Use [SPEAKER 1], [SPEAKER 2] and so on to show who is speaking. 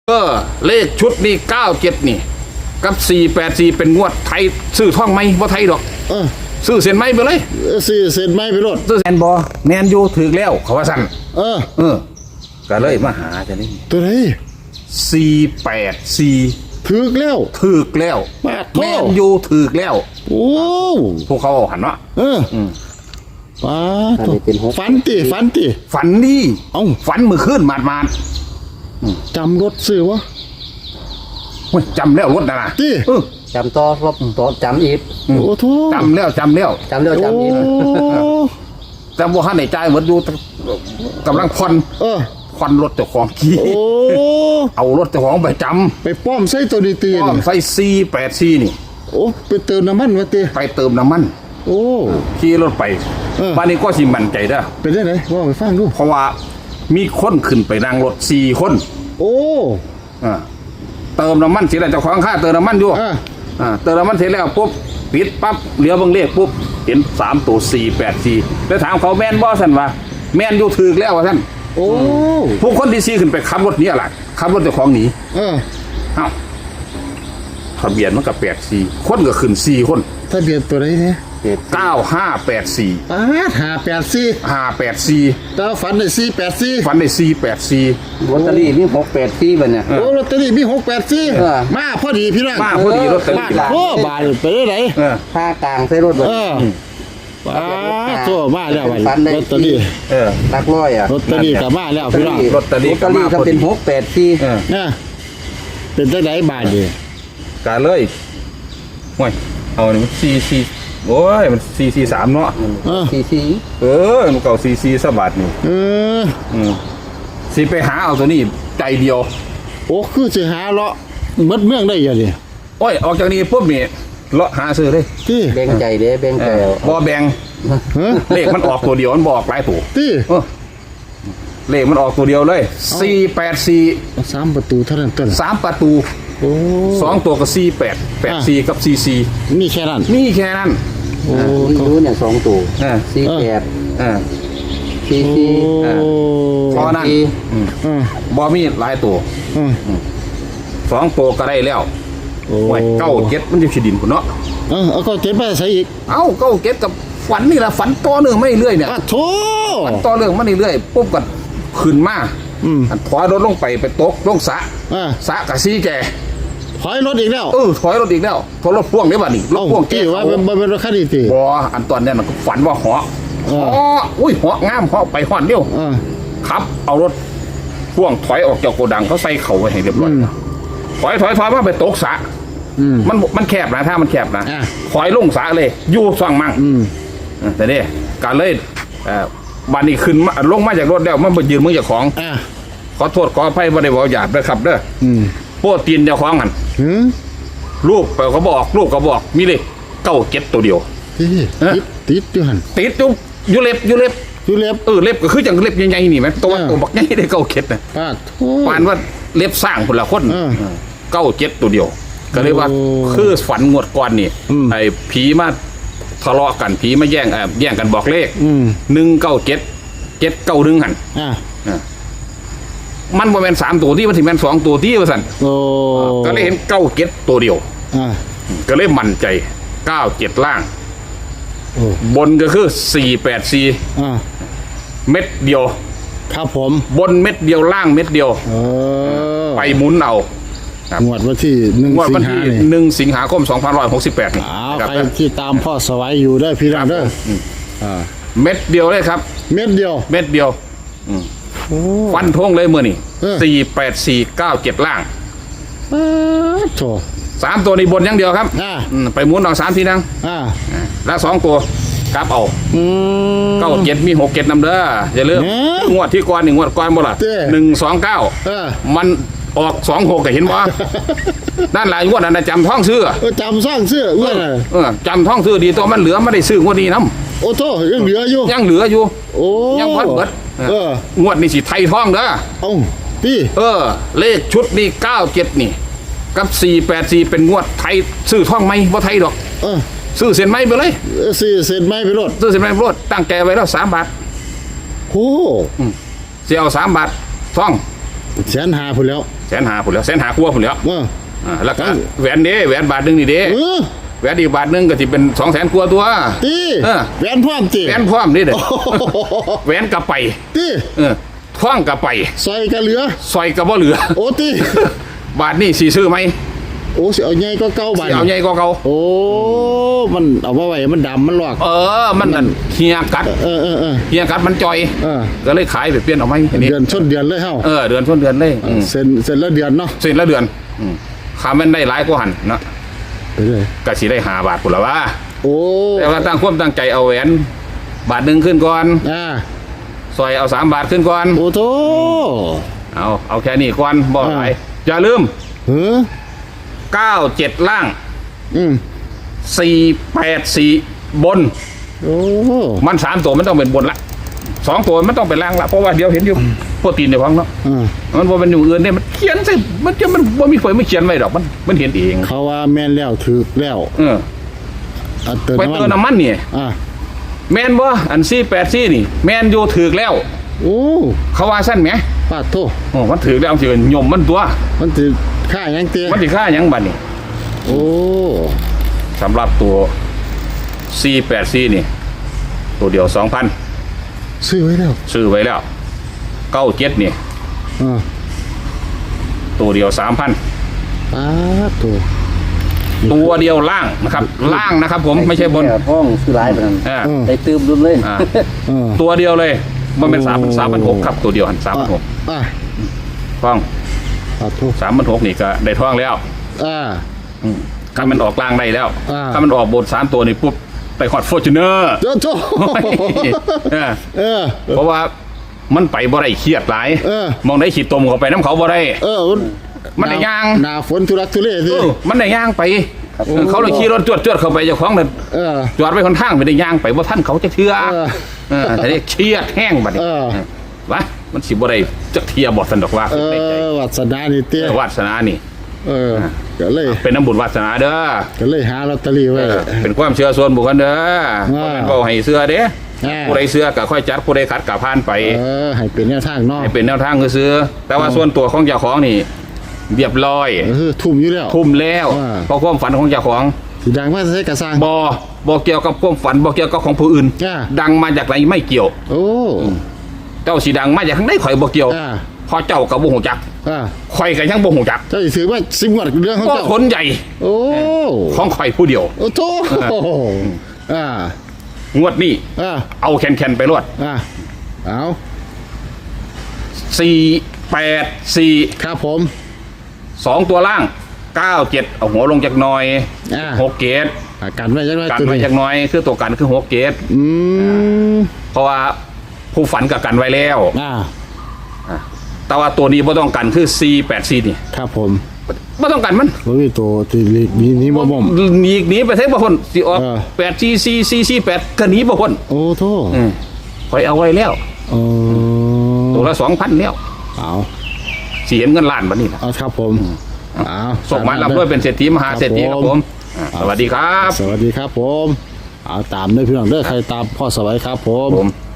[SPEAKER 1] เลขชุดนี่97นี่กับ484เป็นงวดไทยซื้อท่องไหมบ่ไทยดอกซื้อเส้นไหมไปเลย
[SPEAKER 2] ซื้อเส้นไหมไปรถ
[SPEAKER 1] ซื้อแมนบ่แมนอยู่ถึกแล้วเขาว่าสั่นก็เลยมาหาจะนี่
[SPEAKER 2] ตัวไหน
[SPEAKER 1] 484
[SPEAKER 2] ถึกแล้ว
[SPEAKER 1] แมนอยู่ถึกแล้ว
[SPEAKER 2] โอ้
[SPEAKER 1] พวกเขาหันเนาะ
[SPEAKER 2] ป้าฝันติ
[SPEAKER 1] ฝันนี่ฝันมือขึ้นมาด
[SPEAKER 2] จำรถซื้อวะ
[SPEAKER 1] จำแล้วรถนะ
[SPEAKER 3] จำต่อรถจำอีก
[SPEAKER 2] โอ้โห
[SPEAKER 1] จำแล้วอีกจำว่าท่านในใจเหมือนดูกำลังผ่อนรถเจ้าของขี่เอารถเจ้าของไปจำ
[SPEAKER 2] ไปป้อมใส่ตัวดีตี
[SPEAKER 1] ป้อมใส่484นี่
[SPEAKER 2] โอ้ไปเติมน้ำมันวะตี
[SPEAKER 1] ไปเติมน้ำมัน
[SPEAKER 2] โอ้
[SPEAKER 1] ขี่รถไปบ้านนี้ก็สิมั่นใจเด้อ
[SPEAKER 2] เป็นได้ไหนว่าไปฟังดู
[SPEAKER 1] เพราะว่ามีคนขึ้นไปนั่งรถ4คน
[SPEAKER 2] โอ้
[SPEAKER 1] เติมน้ำมันเสร็จแล้วเจ้าของค่าเติมน้ำมันอยู่เติมน้ำมันเสร็จแล้วปุ๊บปิดปั๊บเหลียวเบิ่งเลขปุ๊บเห็น3ตัว484แล้วถามเขาแม่นบ่สั่นว่าแม่นอยู่ถึกแล้วว่าสั่น
[SPEAKER 2] โอ้
[SPEAKER 1] ผู้คนที่4ขึ้นไปขับรถนี้ล่ะขับรถเจ้าของหนีทะเบียนมันก็84คนก็ขึ้น4คน
[SPEAKER 2] ทะเบียนตัวไหนเนี่ย
[SPEAKER 1] 9584
[SPEAKER 2] 584แต่ฝันได้484
[SPEAKER 1] ฝันได้484
[SPEAKER 3] ลอตเตอรี่มี684บัดเนี่ย
[SPEAKER 2] โอ้ลอตเตอรี่มี684มาพอดีพี่น้อง
[SPEAKER 1] มาพอดีลอตเตอรี่
[SPEAKER 2] โอ้บาทไปได้ไหน
[SPEAKER 3] ค่ากลางใส่รถบัด
[SPEAKER 2] โซ่มาแล้วลอตเตอรี่
[SPEAKER 3] หลักร้อย
[SPEAKER 2] ลอตเตอรี่ก็มาแล้วพี่น้อง
[SPEAKER 1] ลอตเตอรี่
[SPEAKER 3] ก็เป็น684
[SPEAKER 2] เป็นจังได๋บาทดิ
[SPEAKER 1] กาเลยโอ้ยเอานี่4โอ้ยมัน443เนาะ
[SPEAKER 3] 44
[SPEAKER 1] มันเก่า44ซะบาทนี่สิไปหาเอาตัวนี้ใจเดียว
[SPEAKER 2] โอ้คือสิหาเลาะหมดเมืองได้ยังดิ
[SPEAKER 1] โอ้ยออกจากนี้ปุ๊บนี่เลาะหาซื้อเลย
[SPEAKER 3] แบ่งใจเด้แบ่งใจ
[SPEAKER 1] บ่แบ่งเลขมันออกตัวเดียวมันบอกหลายตัวเลขมันออกตัวเดียวเลย484
[SPEAKER 2] 3ประตูเท่านั้นต้น
[SPEAKER 1] 3ประตู2ตัวก็4884กับ44
[SPEAKER 2] มีแค่นั้น
[SPEAKER 3] โอ้รู้เนี่ย2ตัว4844
[SPEAKER 1] พอนั้นบ่มีหลายตัว2ตัวก็ได้แล้วโอ้ย97มันอยู่ที่ดินพุ่นเนาะ
[SPEAKER 2] เอาก็เก็บไปใส่อีก
[SPEAKER 1] 97กับฝันนี่ล่ะฝันต่อเนื่องไม่เรื่อยเนี่ย
[SPEAKER 2] โธ่
[SPEAKER 1] ฝันต่อเนื่องมาเรื่อยปุ๊บก็ขึ้นมาถอยรถลงไปตกลงสระกับซีแก
[SPEAKER 2] ถอยรถอีกแล้ว
[SPEAKER 1] ถอยรถอีกแล้วถอยรถพ่วงได้ป่ะนี่รถพ่วง
[SPEAKER 2] เก๋ว่าเป็นรถคันนี้ตี
[SPEAKER 1] บ่อันตอนนี้มันก็ฝันว่าเหาะเหาะงามเหาะไปห่อนเดียวครับเอารถพ่วงถอยออกจากโกดังเขาใส่เข่าไว้ให้เรียบร้อยถอยมาไปตกสระมันแคบนะถ้ามันแคบนะถอยลงสระเลยอยู่ซ่องมั่งแต่นี่การเลยบ้านนี้ขึ้นมาลงมาจากรถแล้วมันไปยืนมือจากของขอโทษขออภัยบ่ได้บอกหยาบด้วยครับเด้อโป้ตีนเจ้าของกันรูปเขาบอกรูปเขาบอกมีเลย97ตัวเดียว
[SPEAKER 2] ติดอยู่หัน
[SPEAKER 1] ติดอยู่เล็บเล็บก็คืออย่างเล็บใหญ่ๆนี่ไหมตัวบักใหญ่ได้97นะปานว่าเล็บสร้างคนละคน97ตัวเดียวก็เลยว่าคือฝันงวดก่อนนี่ไอ้ผีมาทะเลาะกันผีมาแย่งกันบอกเลข197 791หันมันบ่แม่น3ตัวที่มันถึงแม่น2ตัวที่ว่าซั่นก็เลยเห็น97ตัวเดียวก็เลยมั่นใจ97ล่างบนก็คือ484เม็ดเดียว
[SPEAKER 2] ครับผม
[SPEAKER 1] บนเม็ดเดียวล่างเม็ดเดียวไปหมุนเอา
[SPEAKER 2] งวดวันที่
[SPEAKER 1] 1 สิงหาคม 2568นี่
[SPEAKER 2] ใครที่ตามพ่อสวัยอยู่ได้พี่น้องเด้อ
[SPEAKER 1] เม็ดเดียวเลยครับ
[SPEAKER 2] เม็ดเดียว
[SPEAKER 1] ฟันทงเลยมื้อนี่48497ล่าง
[SPEAKER 2] โธ่
[SPEAKER 1] 3ตัวนี้บนอย่างเดียวครับไปหมุนเอา3ทีนึงและ2ตัวกลับเอา97มี67นำเด้ออย่าลืมงวดที่ก่อนนี่งวดก่อนบ่ล่ะ129มันออก26ก็เห็นบ่นั่นหลายงวดนั้นจำท่องซื้อ
[SPEAKER 2] จำท่องซื้อ
[SPEAKER 1] จำท่องซื้อดีตัวมันเหลือไม่ได้ซื้องวดนี้นำ
[SPEAKER 2] โอ้โธ่ยังเหลืออยู่
[SPEAKER 1] โอ้ยังพัดเบิดงวดนี้สิไทยท่องเด้อ
[SPEAKER 2] พี่
[SPEAKER 1] เลขชุดนี่97นี่กับ484เป็นงวดไทยซื้อท่องไหมบ่ไทยดอกซื้อเส้นไหมไปเลย
[SPEAKER 2] ซื้อเส้นไหมไปรถ
[SPEAKER 1] ตั้งแกไว้แล้ว3 บาท
[SPEAKER 2] โอ้
[SPEAKER 1] สิเอา3 บาทท่อง
[SPEAKER 2] 150,000พุ่นแล้ว
[SPEAKER 1] 150,000พุ่นแล้ว150,000กว่าพุ่นแล้ว แล้วก็แหวนเด้แหวนบาทหนึงนี่เด้แหวนอีกบาทหนึงก็สิเป็น200,000กว่าตัว
[SPEAKER 2] ตี แหวนพร้อมตี
[SPEAKER 1] แหวนพร้อมนี่เด้อแหวนกะไป
[SPEAKER 2] ตี
[SPEAKER 1] ท่องกะไป
[SPEAKER 2] ซอยกะเหลือ
[SPEAKER 1] ซอยกะบ่เหลือ
[SPEAKER 2] โอ้ตี
[SPEAKER 1] บาทนี่สิซื้อไหม
[SPEAKER 2] โอ้สิเอาใหญ่ก็เก่าบาด
[SPEAKER 1] สิเอาใหญ่กว่าเก่า
[SPEAKER 2] โอ้มันเอามาไว้มันดำมันหลอก
[SPEAKER 1] มันนั่นเฮียกัด เฮียกัดมันจอย ก็เลยขายไปเปลี่ยนเอาไหมอันนี้
[SPEAKER 2] เดือนชนเดือนเลยเฮา
[SPEAKER 1] เดือนต้นเดือนเลย
[SPEAKER 2] เซ็นละเดือนเนาะ
[SPEAKER 1] เสร็จแล้วเดือนขามันได้หลายกว่าหันเนาะ
[SPEAKER 2] ไปเลย
[SPEAKER 1] ก็สิได้5 บาทพุ่นละว่า
[SPEAKER 2] โอ้
[SPEAKER 1] แต่ว่าตั้งความตั้งใจเอาแหวนบาทหนึงขึ้นก่อน ซอยเอา3 บาทขึ้นก่อน
[SPEAKER 2] โอ้โธ่
[SPEAKER 1] เอาแค่นี้ก่อนบ่หลายอย่าลืม 97 ล่าง 484 บน
[SPEAKER 2] โอ้
[SPEAKER 1] มัน3 ตัวมันต้องเป็นบนละ2 ตัวมันต้องเป็นล่างละเพราะว่าเดี๋ยวเห็นอยู่โปรตีนในฟังเนาะมันบ่เป็นอยู่อื่นเนี่ยมันเขียนสิมันบ่มีไฟไม่เขียนไว้ดอกมันเห็นเอง
[SPEAKER 2] เขาว่าแม่นแล้วถือแล้ว
[SPEAKER 1] ไปเติมน้ำมันนี่แม่นบ่อัน484นี่แม่นอยู่ถือแล้ว
[SPEAKER 2] โอ้
[SPEAKER 1] เขาว่าสั้นไหม
[SPEAKER 2] ปาดโท
[SPEAKER 1] มันถือแล้วสิยมมันตัว
[SPEAKER 2] มันถือค่าหยังเตี้ย
[SPEAKER 1] มันสิค่าหยังบัดนี่
[SPEAKER 2] โอ้
[SPEAKER 1] สำหรับตัว484นี่ตัวเดียว 2,000
[SPEAKER 2] ซื้อไว้แล้ว
[SPEAKER 1] ซื้อไว้แล้ว97นี่ตัวเดียว 3,000
[SPEAKER 2] ปาดโท
[SPEAKER 1] ตัวเดียวล่างนะครับล่างนะครับผมไม่ใช่บน
[SPEAKER 3] ห้องซื้อหลายปานนั้นได้ตื้มรุ่นเลย
[SPEAKER 1] ตัวเดียวเลยมันเป็น3,600ครับตัวเดียวหัน3,600ท่อง
[SPEAKER 2] ปาดโท
[SPEAKER 1] 3,600นี่ก็ได้ท่องแล้วถ้ามันออกล่างได้แล้วถ้ามันออกบน3 ตัวนี่ปุ๊บไปฮอดฟอร์จูเนอร์
[SPEAKER 2] โท
[SPEAKER 1] เพราะว่ามันไปบ่ได้เครียดหลายมองได้ขีดตมเข้าไปน้ำเขาบ่ได้มันได้ย่าง
[SPEAKER 2] หน้าฝนทุรักทุเลสิ
[SPEAKER 1] มันได้ย่างไปเขาเลยขี่รถจวดเข้าไปเจ้าของนั่นจอดไว้คนข้างไม่ได้ย่างไปว่าท่านเขาจะเชื่อแต่นี่เครียดแห้งบัดนี้วะมันสิบ่ได้จะเทียบอสันดอกว่า
[SPEAKER 2] วัสนานี่เตี้ยว
[SPEAKER 1] าสนานี่
[SPEAKER 2] ก็เลย
[SPEAKER 1] เป็นน้ำบุญวาสนาเด้อ
[SPEAKER 2] ก็เลยหาลอตเตอรี่ไว้
[SPEAKER 1] เป็นความเชื่อส่วนบุคคลเด้อก็ให้เสื้อเด้ผู้ใดเสื้อก็ค่อยจัดผู้ใดขัดก็ผ่านไป
[SPEAKER 2] ให้เป็นแนวทางเนาะ
[SPEAKER 1] ให้เป็นแนวทางคือซื้อแต่ว่าส่วนตัวของเจ้าของนี่เรียบร้อย
[SPEAKER 2] ทุ่มอยู่แล้ว
[SPEAKER 1] ทุ่มแล้วเพราะความฝันของเจ้าของ
[SPEAKER 2] สีดังมาใช้กระซัง
[SPEAKER 1] บ่เกี่ยวกับความฝันบ่เกี่ยวกับของผู้อื่นดังมาจากไหนไม่เกี่ยว
[SPEAKER 2] โอ้
[SPEAKER 1] เจ้าสีดังมาจากข้างในข่อยบ่เกี่ยวพอเจ้ากับบ่หูจักข่อยก็ยังบ่หูจัก
[SPEAKER 2] เจ้าถือว่าสิงวัดเรื่องของ
[SPEAKER 1] ก็
[SPEAKER 2] เจ้า
[SPEAKER 1] คนใหญ่
[SPEAKER 2] โอ้
[SPEAKER 1] ของข่อยผู้เดียว
[SPEAKER 2] โอ้โธ่
[SPEAKER 1] งวดนี้เอาแคนไปรวด
[SPEAKER 2] เอา
[SPEAKER 1] 484
[SPEAKER 2] ครับผม
[SPEAKER 1] 2 ตัวล่าง97เอาหัวลงจากหน่อย6เกต
[SPEAKER 2] กันไว้จังไว้
[SPEAKER 1] กันไว้จากหน่อยคือตัวกันคือ6เกตเพราะว่าผู้ฝันกับกันไว้แล้วแต่ว่าตัวนี้บ่ต้องกันคือ484นี่
[SPEAKER 2] ครับผม
[SPEAKER 1] บ่ต้องกันมัน
[SPEAKER 2] บ่มีตัวที่นี้บ่บ่ม
[SPEAKER 1] หนีไปเทบ่พ้นสิออก844448ก็หนีบ่พ้น
[SPEAKER 2] โอ้โธ่
[SPEAKER 1] ข่อยเอาไว้แล้วตัวละ 2,000 แล้ว
[SPEAKER 2] เอา
[SPEAKER 1] สิเห็นเงินล้านบัดนี้ล่ะ
[SPEAKER 2] ครับผม
[SPEAKER 1] ส่งมารับด้วยเป็นเศรษฐีมหาเศรษฐีครับผมสวัสดีครับ
[SPEAKER 2] สวัสดีครับผมเอาตามด้วยพี่น้องเด้อใครตามพ่อสวัยครับผม